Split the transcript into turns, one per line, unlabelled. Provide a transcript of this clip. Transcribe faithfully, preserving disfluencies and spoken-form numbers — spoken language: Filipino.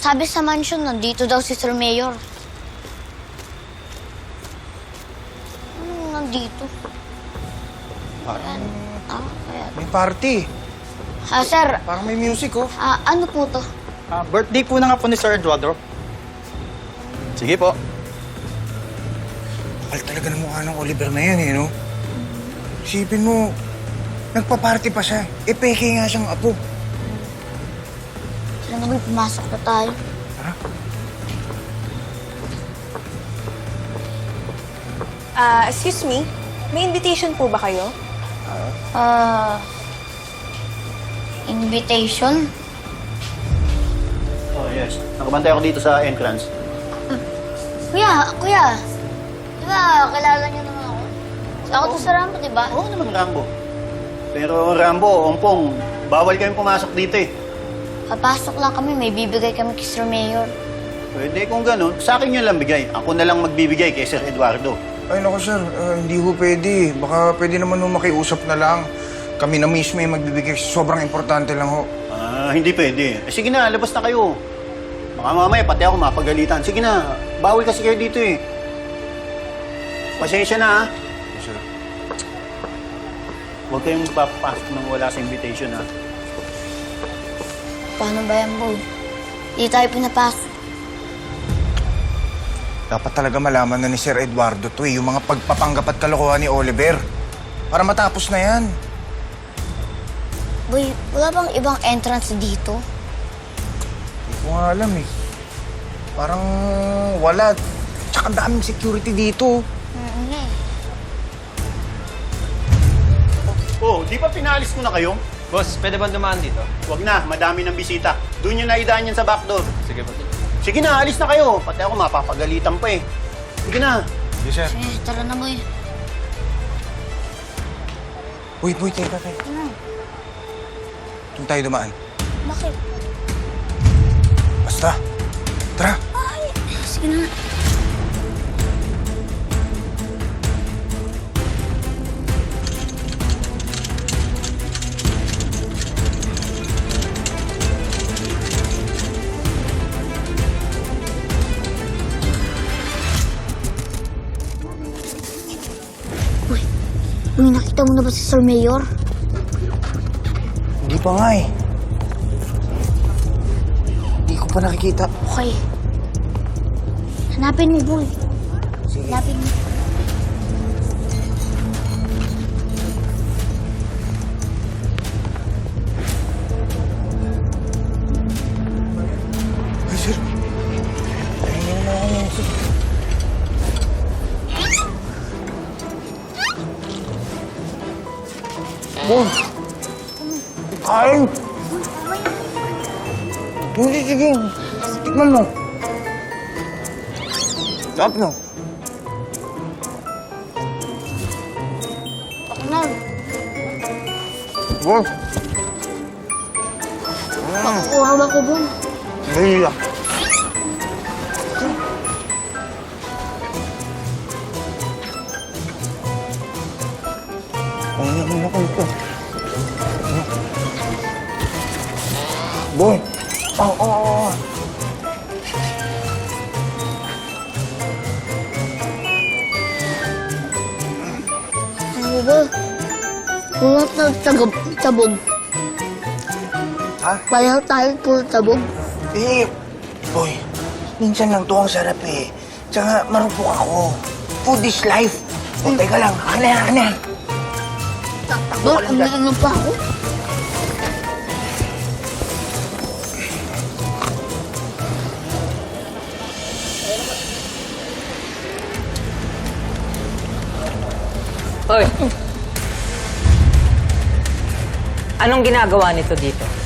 Sabi sa mansion, nandito daw si Sir Mayor. Anong nandito? Ayan. Ah, kaya...
May party.
Ah, sir.
Parang may music, oh.
Ah, ano po to?
Ah, birthday po na nga po ni Sir Eduardo. Sige po.
Kapal talaga ng mukha ng Oliver na yan, eh, no? Isipin mo, nagpa-party pa siya. E, peke nga siyang apo.
Sila naman, pumasok na tayo.
Tara.
Ah, excuse me, may invitation po ba kayo?
Ah... invitation?
Oh, yes. Nakabantay ako dito sa entrance.
Kuya, kuya. Di ba, kilala niyo naman ako? Ako to sa Rambo, di ba?
Oo naman, Rambo. Pero, Rambo, Ompong, bawal kayong pumasok dito eh.
Papasok lang kami, may bibigay kami kay Sir Mayor.
Pwede kung ganun, sa akin nyo lang bigay. Ako na lang magbibigay kay Sir Eduardo.
Ay, naku, sir. Uh, hindi ho pwede. Baka pwede naman ho makiusap na lang. Kami na mismo yung magbibigay. Sobrang importante lang ho.
Ah, hindi pwede. Eh, sige na, labas na kayo. Baka mamaya, pati ako mapagalitan. Sige na, bawal kasi kayo dito eh. Pasensya na ha.
Sir.
Huwag kayong papasok nang wala sa invitation ha.
Paano ba yan, boy? Hindi tayo pinapasok.
Dapat talaga malaman na ni Sir Eduardo to eh, yung mga pagpapanggap at kalokohan ni Oliver. Para matapos na yan.
Boy, wala bang ibang entrance dito?
Hindi ko nga alam eh. Parang wala. Tsaka daming security dito.
Mm-hmm.
Oh, di ba pinalis ko na kayo?
Boss, pwede ba dumaan dito?
Huwag na, madami ng bisita. Doon nyo naidaan yan sa backdoor.
Sige po.
Sige na, alis na kayo. Pati ako mapapagalitan pa eh. Sige na.
Yes, sir.
Eh, tara na, boy.
Uy, boy, teka, teka.
Ano?
Doon tayo dumaan.
Bakit?
Basta. Tara.
Ay, sige na. Uy, uy, nakita mo na ba si Sir Mayor?
Hindi pa nga eh. Hindi ko pa nakikita.
Okay. Hanapin mo, boy.
Sige.
Hanapin mo.
Ay, sir. Tingnan mo ako yung sir. Boy! Kain! Hindi, sige. Tikman mo. Sarap no?
Ako na.
Boy!
Makukuha ba ko, boy?
Hindi ah. Ano naman ako ito? Boy! Oo, oo, oo.
Ano ba? Pulot na tabog. tabog.
Ha?
Pareho tayo pulot tabog.
Eh, boy, minsan lang to ang sarap eh. Tsaka marupok ako. Food is life. O, teka lang. Akin na, akin na. Takbo
Boy,
ka
ang
lang dyan.
ano pa ako?
Hoy! Anong ginagawa nito dito?